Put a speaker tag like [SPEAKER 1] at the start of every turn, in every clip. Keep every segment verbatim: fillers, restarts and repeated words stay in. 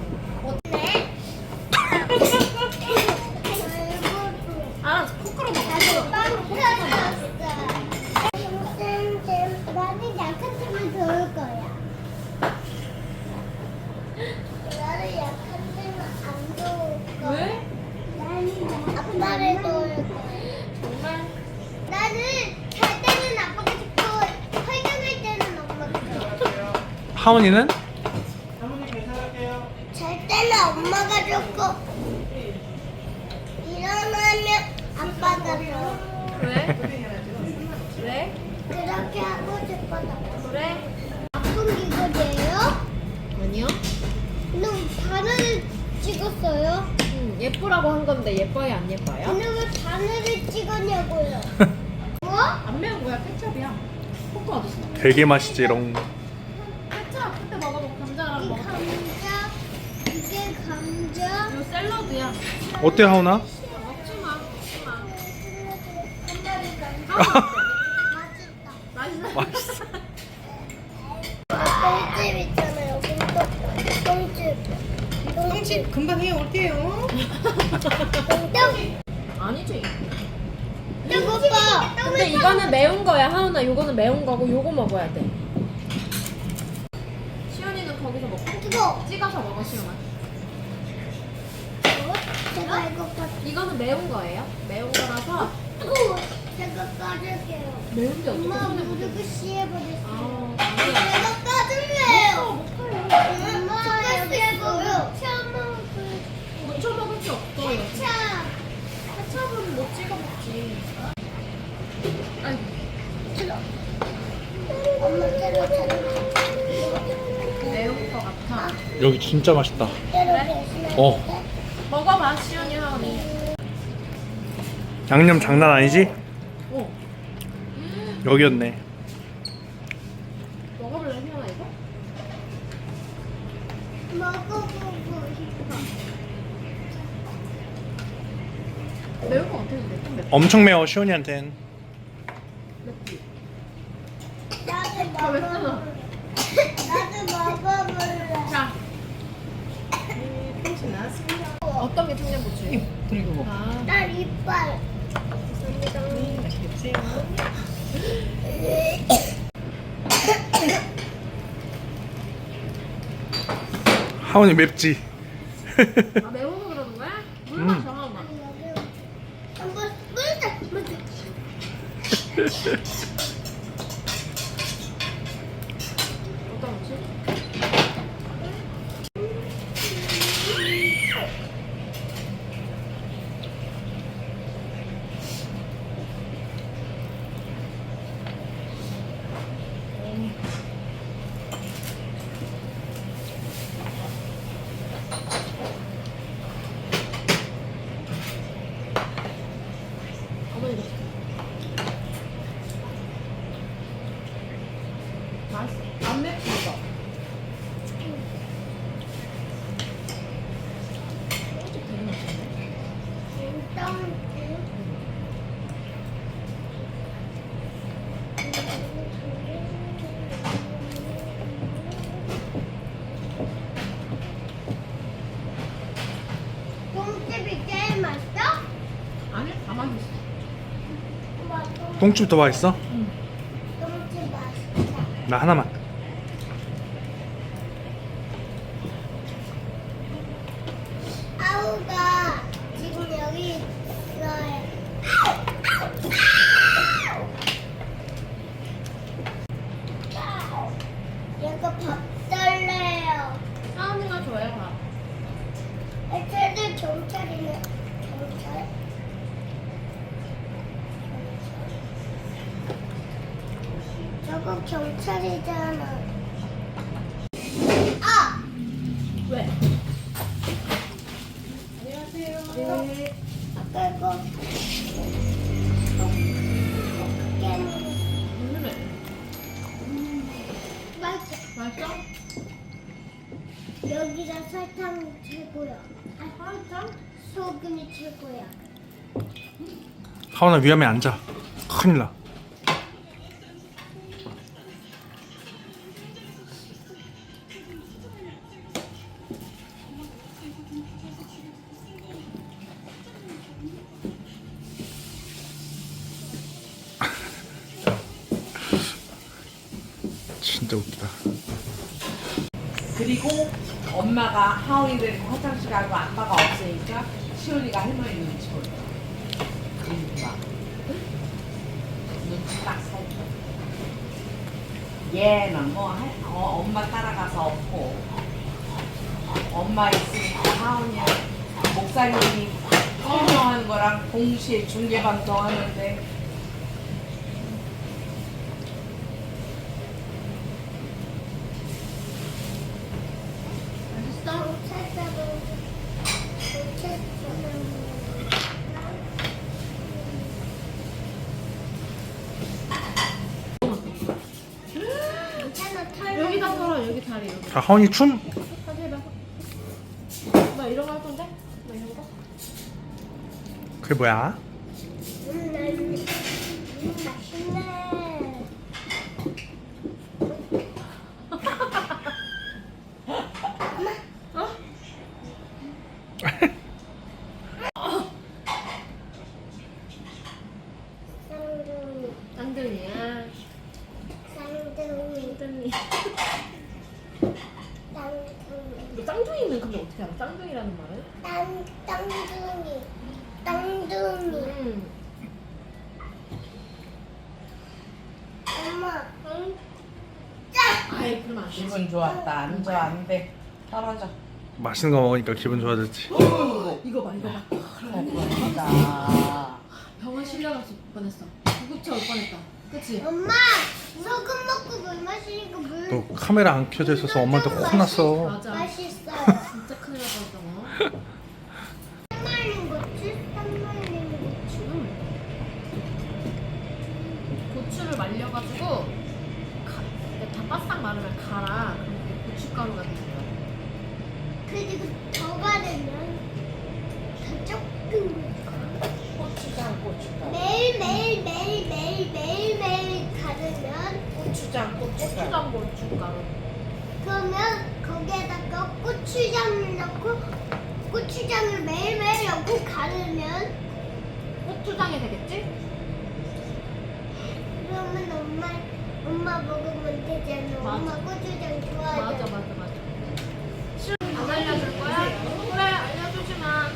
[SPEAKER 1] 어때? 아, 코크로 먹어.
[SPEAKER 2] 나는 약한 템을 배울 거야. 나는 약한 템을 안 배울 거야.
[SPEAKER 1] 왜?
[SPEAKER 2] 나는 아빠를 배울 거야.
[SPEAKER 1] 정말?
[SPEAKER 2] 나는 잘 때는 아빠가 좋고 활동할 때는 엄마가 좋고.
[SPEAKER 3] 하원이는?
[SPEAKER 2] 잘 때는 엄마가 좋고 일어나면 아빠가 좋고.
[SPEAKER 1] 왜? 왜?
[SPEAKER 2] 그렇게 하고 싶어서.
[SPEAKER 1] 그래?
[SPEAKER 2] 아픈 기분이에요?
[SPEAKER 1] 아니요.
[SPEAKER 2] 그럼 바늘을 찍었어요?
[SPEAKER 1] 음, 예쁘라고 한 건데 예뻐요, 안 예뻐요?
[SPEAKER 2] 근데 왜 바늘을 찍었냐고요? 뭐?
[SPEAKER 1] 안 매운 거야, 케첩이야. 코크 어딨어?
[SPEAKER 3] 되게 맛있지롱.
[SPEAKER 1] 케첩 그때 먹어봐. 감자랑
[SPEAKER 2] 이
[SPEAKER 1] 먹어.
[SPEAKER 2] 감자, 이게 감자.
[SPEAKER 1] 이거 샐러드야.
[SPEAKER 3] 어때 하원아?
[SPEAKER 1] 먹지 마, 먹지 마.
[SPEAKER 2] 맛있다.
[SPEAKER 1] 맛있어.
[SPEAKER 3] 맛있어.
[SPEAKER 2] 똥집 있잖아요. 똥집. 똥집. 똥집.
[SPEAKER 4] 금방 해 올게요.
[SPEAKER 2] 똥집.
[SPEAKER 1] 아니지.
[SPEAKER 2] 이거 봐.
[SPEAKER 1] 근데 이거는 매운 거야, 하은아. 요거는 매운 거고 요거 먹어야 돼. 시연이는 거기서 먹고
[SPEAKER 2] 뜨거.
[SPEAKER 1] 찍어서 먹어, 시연아.
[SPEAKER 2] 제가 이거 봐.
[SPEAKER 1] 이거는 매운 거예요? 매운 거라서
[SPEAKER 2] 뜨거워. 제가 까줄게요.
[SPEAKER 1] 매운데 어떻게
[SPEAKER 2] 엄마
[SPEAKER 1] 손에
[SPEAKER 2] 무릎을
[SPEAKER 1] 묻혀?
[SPEAKER 2] 씌워버렸어요.
[SPEAKER 1] 아, 아니야.
[SPEAKER 2] 제가 까줄래요. 엄마 여기 있어요. 처음
[SPEAKER 1] 묻혀 먹을 게 없어.
[SPEAKER 2] 케찹.
[SPEAKER 1] 케첩은 못 찍어 먹지. 아이고.
[SPEAKER 2] 엄마 때려 때려.
[SPEAKER 1] 매운 거 같아.
[SPEAKER 3] 여기 진짜 맛있다.
[SPEAKER 2] 때려
[SPEAKER 3] 어.
[SPEAKER 1] 먹어봐, 시연이, 하은이.
[SPEAKER 3] 양념 장난 아니지?
[SPEAKER 1] 어.
[SPEAKER 3] 여기였네.
[SPEAKER 1] 먹어볼래, 시연아, 이거?
[SPEAKER 2] 먹어보고 싶어.
[SPEAKER 1] 매울 거 같았는데, 좀 맵다.
[SPEAKER 3] 엄청 매워 시온이한텐.
[SPEAKER 1] 맵지?
[SPEAKER 2] 나도
[SPEAKER 1] 아, 왜
[SPEAKER 2] 먹어볼래. 나도 먹어볼래.
[SPEAKER 1] 자,
[SPEAKER 4] 통신 나왔습니다.
[SPEAKER 1] 어떤 게 청양고추예요?
[SPEAKER 4] 그리고 뭐.
[SPEAKER 1] 아,
[SPEAKER 2] 나 이빨.
[SPEAKER 4] 음, 맛있게 드세요.
[SPEAKER 3] 하원이 맵지?
[SPEAKER 1] 아 매워서 그러는 거야? 물
[SPEAKER 3] 음.
[SPEAKER 1] 마셔, 하은아.
[SPEAKER 2] 한번 물다 물다.
[SPEAKER 1] 어떤 거지? 어머니 맛있어. 안 맵지 이거? 소주 되게 맛있네.
[SPEAKER 2] 똥집이 제일 맛있어?
[SPEAKER 1] 아니 다 맛있어.
[SPEAKER 2] 엄마,
[SPEAKER 3] 똥집 더 맛있어?
[SPEAKER 2] 똥집 맛있다.
[SPEAKER 3] 나 하나만.
[SPEAKER 2] 아우가 지금 여기 있어요. 얘가 밥 달래요.
[SPEAKER 1] 하은이가 좋아요, 밥.
[SPEAKER 2] 애들들 경찰이네. 경찰? 저거 경찰이잖아. 아!
[SPEAKER 1] 왜?
[SPEAKER 4] 안녕하세요.
[SPEAKER 1] 네.
[SPEAKER 2] 아까 이거 깨는
[SPEAKER 1] 무슨
[SPEAKER 2] 맛있어.
[SPEAKER 1] 맛있어?
[SPEAKER 2] 여기가 설탕이 최고야.
[SPEAKER 1] 아, 설탕?
[SPEAKER 2] 소금이 최고야.
[SPEAKER 3] 하원아 위험해 앉아. 큰일 나. 진짜 웃기다.
[SPEAKER 5] 그리고 엄마가 하원이 데리고 화장실 가고 아빠가 없으니까 시온이가 할머니 눈치 볼 거야. 그러니까 눈치 딱 살펴. 얘는 뭐 할, 어, 엄마 따라가서 없고 엄마 있으니까 하원이는 목사님이 설명하는 거랑 동시에 중계 방송하는데
[SPEAKER 1] 여기다 걸어 여기 다리 여기.
[SPEAKER 3] 자, 하원이 춤.
[SPEAKER 1] 다시 해봐. 나 이런 거 할 건데? 나 이런 거?
[SPEAKER 3] 그게 뭐야?
[SPEAKER 2] 음, 음, 맛있네. 쌍둥이,
[SPEAKER 1] 쌍둥이야.
[SPEAKER 2] 쌍둥이,
[SPEAKER 1] 쌍둥이.
[SPEAKER 2] 쌍둥이,
[SPEAKER 1] 너 쌍둥이는 근데 어떻게 알아? 쌍둥이라는 말은?
[SPEAKER 2] 땅, 땅둥이, 땅둥이.
[SPEAKER 1] 응.
[SPEAKER 2] 엄마,
[SPEAKER 1] 응?
[SPEAKER 2] 짜!
[SPEAKER 1] 아이 그럼 안 돼.
[SPEAKER 5] 기분 좋았다. 앉아 안 돼. 떨어져.
[SPEAKER 3] 맛있는 거 먹으니까 기분 좋아졌지.
[SPEAKER 1] 이거 봐 이거 봐.
[SPEAKER 5] 그렇다.
[SPEAKER 1] 병원 실려갔을 뻔했어. 구급차 올 뻔했다. 그치?
[SPEAKER 2] 엄마, 소금 먹고 물 마시니까 물.
[SPEAKER 3] 너 카메라 안 켜져 있어서 엄마한테 혼났어.
[SPEAKER 1] 맞아.
[SPEAKER 2] 맛있어요.
[SPEAKER 1] 진짜 큰일 날 뻔했잖아.
[SPEAKER 2] 산말린 고추, 산말린 고추.
[SPEAKER 1] 응. 고추를 말려가지고 가, 다 바싹 마르면 갈아. 그럼 그게 고춧가루가 되는 거야.
[SPEAKER 2] 그리고 더 바르면 더 조금.
[SPEAKER 5] 고추장 고추장.
[SPEAKER 2] 매일 매일 매일 매일 매일 매일 가르면
[SPEAKER 5] 고추장 고추장.
[SPEAKER 1] 고추장 고춧가루.
[SPEAKER 2] 그러면 거기에다가 고추장을 넣고 고추장을 매일 매일 넣고 가르면
[SPEAKER 1] 고추장이 되겠지?
[SPEAKER 2] 그러면 엄마 엄마 먹으면 되잖아.
[SPEAKER 1] 맞아.
[SPEAKER 2] 엄마 고추장
[SPEAKER 1] 맞아
[SPEAKER 2] 좋아하잖아.
[SPEAKER 1] 맞아 맞아. 싫어. 안 알려줄 거야? 그래 알려주지 마.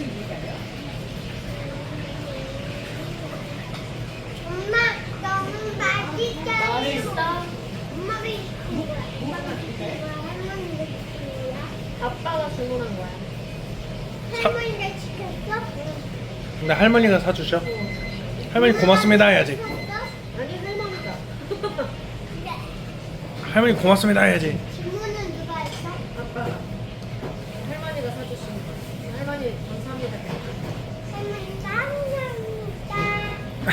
[SPEAKER 2] 엄마 너무 맛있잖아.
[SPEAKER 1] 맛있어.
[SPEAKER 2] 엄마가 시킨 거야. 엄마가 시킨 거야. 할머니가 시킨 거야.
[SPEAKER 1] 아빠가 주문한 거야.
[SPEAKER 2] 할머니가 시켰어?
[SPEAKER 3] 근데 할머니가 사주셔. 할머니 고맙습니다 해야지.
[SPEAKER 1] 아니 할머니가.
[SPEAKER 2] 근데
[SPEAKER 3] 할머니 고맙습니다 해야지.
[SPEAKER 2] 주문은 누가 했어?
[SPEAKER 1] 아빠가. 할머니가 사주신 거. 할머니 감사합니다.
[SPEAKER 2] 할머니 감사합니다.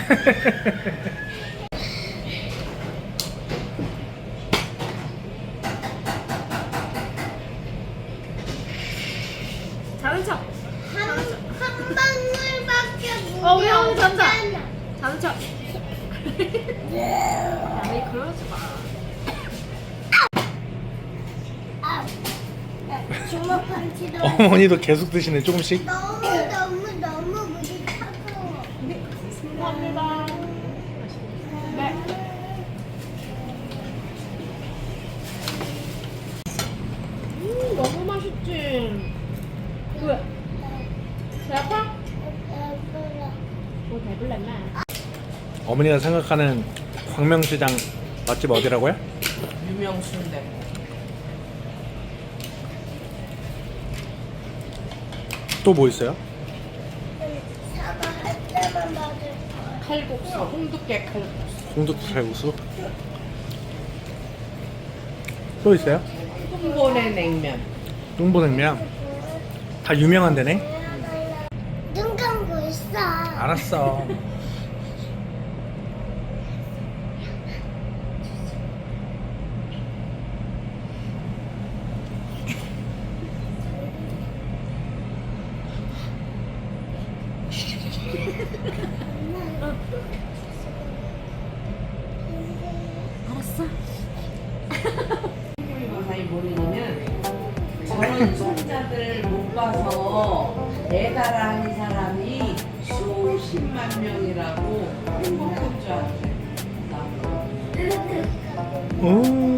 [SPEAKER 1] 자는 척.
[SPEAKER 2] 한, 한 방울밖에 물이
[SPEAKER 1] 어, 우리 어머니 잔다.
[SPEAKER 2] 없잖아.
[SPEAKER 1] 자는 척. 아니 그러지 마.
[SPEAKER 2] 아, 주먹 펀치도
[SPEAKER 3] 어머니도 계속 드시네 조금씩.
[SPEAKER 2] 너무 너무 너무 물이 차가워.
[SPEAKER 1] 감사합니다. 네. 음 너무 맛있지. 왜? 배 아파? 뭐 배불렀나?
[SPEAKER 3] 어머니가 생각하는 광명시장 맛집 어디라고요?
[SPEAKER 5] 유명 순대.
[SPEAKER 3] 또 뭐 있어요?
[SPEAKER 2] 사과할 때만 맞을 거야.
[SPEAKER 5] 칼국수. 홍두깨 칼국수.
[SPEAKER 3] 홍두깨 칼국수. 또 있어요?
[SPEAKER 5] 홍보내 냉면.
[SPEAKER 3] 뚱보냉면. 다 유명한 데네.
[SPEAKER 2] 눈 감고 있어.
[SPEAKER 3] 알았어.
[SPEAKER 1] 알았어.
[SPEAKER 5] 가사이 모르면 저런 손자들 못 봐서 애달아하는 사람이 수십만 명이라고 행복할 줄 알았어요.
[SPEAKER 3] 오.